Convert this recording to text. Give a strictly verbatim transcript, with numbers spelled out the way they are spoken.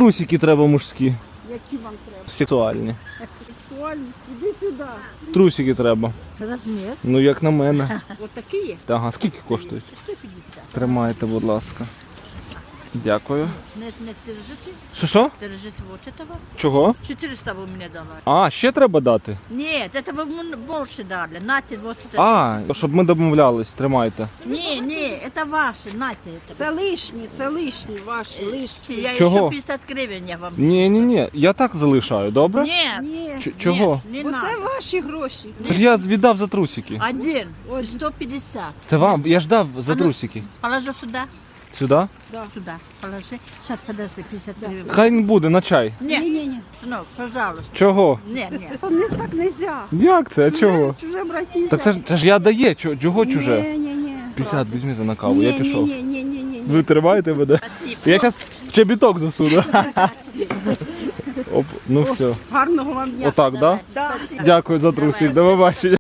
трусики треба мужські. Які вам треба? Сексуальні. Сексуальність, іди сюди. Трусики треба. Розмір. Ну як на мене. Ось такі є? Ага, скільки коштують? сто п'ятдесят. Тримайте, будь ласка. Дякую. Не, не держите, Що що? держите вот этого. Чого? четыреста вы мне дала. А, ще треба дати? Нет, это вы мне больше дали. Нате вот это. А, щоб ми домовлялись, тримайте. Не, не, это ваши, нате это. Це лишні, це лишні, ваші, лишні. Я Чого? еще пятьдесят гривен я вам. Ні, ні, ні, я так залишаю, добре? Нет, Ні, Ч- Чого? не бо це надо. ваші гроші. Це ж я віддав за трусики. Один, Ой. сто пятьдесят. Це вам, я ж дав за А ну. трусики. Положи сюда, Сюди? Да. сюда, положи. Сейчас, подожди, пятьдесят гривен. Хай не буде на чай. Нет, Ні-ні-ні. сынок, пожалуйста. Чого? Нет, нет. Не так нельзя. Як це? А чого? Чуже брати нельзя. Так це ж, це ж я дає, чого, чого чуже? Ні, ні, ні. п'ятдесят візьміть на каву, я пішов. Ні, ні, ні, ні, ні. Ви тримаєте мене? Спасибо. Я зараз в чобіток засуну. Оп, ну все. Гарного вам дня. Отак, да? Да. Дякую за трусик, до побачення.